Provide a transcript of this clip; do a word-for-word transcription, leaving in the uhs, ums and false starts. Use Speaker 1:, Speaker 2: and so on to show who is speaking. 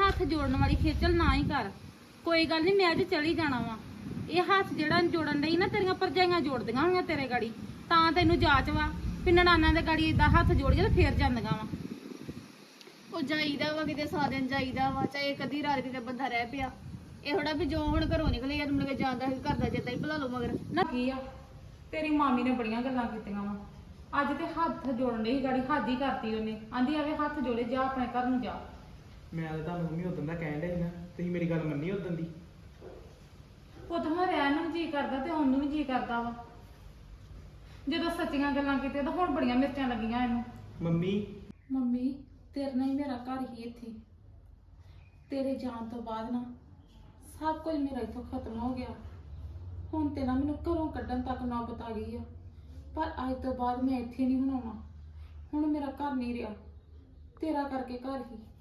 Speaker 1: ਹੱਥ ਜੋੜਨ ਵਾਲੀ ਖੇਚਲ ਨਾ ਹੀ ਕਰ। ਕੋਈ ਗੱਲ ਨਹੀਂ, ਮੈਂ ਅੱਜ ਚਲੀ ਜਾਣਾ ਵਾ। ਇਹ ਹੱਥ ਜਿਹੜਾ ਜੋੜਨ ਲਈ ਨਾ ਤੇਰੀਆਂ ਭਰਜਾਈਆਂ ਜੋੜਦੀਆਂ ਹੋਣੀਆਂ ਤੇਰੇ ਗਾੜੀ, ਤਾਂ ਤੈਨੂੰ ਜਾਚ ਵਾ ਵੀ ਨਨਾਣਾਂ ਦੇ ਗਾੜੀ ਏਦਾਂ ਹੱਥ ਜੋੜ ਕੇ ਤੇ ਫੇਰ ਜਾਂਦੀਆਂ ਵਾ।
Speaker 2: ਉਹ ਜਾਈਦਾ ਵਾ ਕਿਤੇ ਸਾ ਦਿਨ ਜਾਈਦਾ ਵਾ, ਚਾਹੇ ਕਦੀ ਰਾਤ ਕਿਤੇ ਬੰਦਾ ਰਹਿ ਪਿਆ। ਇਹ ਥੋੜਾ ਵੀ ਜੋ ਹੁਣ ਘਰੋਂ ਨਿਕਲੇ ਆ ਮੁੜ ਕੇ ਜਾਂਦਾ ਸੀ ਘਰ ਦਾ ਚੇਤਾ ਹੀ ਭੁਲਾ ਲਓ ਮਗਰ
Speaker 1: ਨਾ ਕੀ ਆ, ਤੇਰੀ ਮਾਮੀ ਨੇ ਬੜੀਆਂ ਗੱਲਾਂ ਕੀਤੀਆਂ ਵਾ। ਅੱਜ ਤੇ ਹੱਥ ਜੋੜਨ ਲਈ ਗਾੜੀ ਹੱਦ ਹੀ ਕਰਤੀ ਉਹਨੇ। ਆਂਦੀ ਆਵੇ ਹੱਥ ਜੋੜੇ, ਜਾ ਆਪਣੇ ਘਰ ਨੂੰ ਜਾ।
Speaker 3: ਮੈਂ ਤਾਂ ਤੁਹਾਨੂੰ ਮੰਮੀ ਉਦੋਂ ਦਾ ਕਹਿਣ ਡਿਆ ਸੀ ਨਾ, ਤੁਸੀਂ ਮੇਰੀ ਗੱਲ ਮੰਨੀ ਉਦੋਂ ਦੀ।
Speaker 1: ਪੁੱਤ ਹੁਣ ਰਹਿਣ ਨੂੰ ਜੀ ਕਰਦਾ ਤੇ ਉਹਨੂੰ ਵੀ ਜੀ ਕਰਦਾ ਵਾ। ਜਦੋਂ ਸੱਚੀਆਂ ਗੱਲਾਂ ਕੀਤੀਆਂ ਤਾਂ ਹੁਣ ਬੜੀਆਂ ਮਿਰਚਾਂ ਲੱਗੀਆਂ ਇਹਨੂੰ।
Speaker 3: ਮੰਮੀ
Speaker 1: ਮੰਮੀ ਤੇਰੇ ਨਾਲ ਹੀ ਮੇਰਾ ਘਰ ਹੀ ਇੱਥੇ। ਤੇਰੇ ਜਾਣ ਤੋਂ ਬਾਅਦ ਨਾ ਸਭ ਕੁਝ ਮੇਰਾ ਇੱਥੋਂ ਖਤਮ ਹੋ ਗਿਆ। ਹੁਣ ਤੇ ਨਾ ਮੈਨੂੰ ਘਰੋਂ ਕੱਢਣ ਤੱਕ ਨੌਬਤ ਆ ਗਈ ਆ। ਪਰ ਅੱਜ ਤੋਂ ਬਾਅਦ ਮੈਂ ਇੱਥੇ ਨਹੀਂ ਬਣਾਉਣਾ। ਹੁਣ ਮੇਰਾ ਘਰ ਨਹੀਂ ਰਿਹਾ, ਤੇਰਾ ਕਰਕੇ ਘਰ ਹੀ।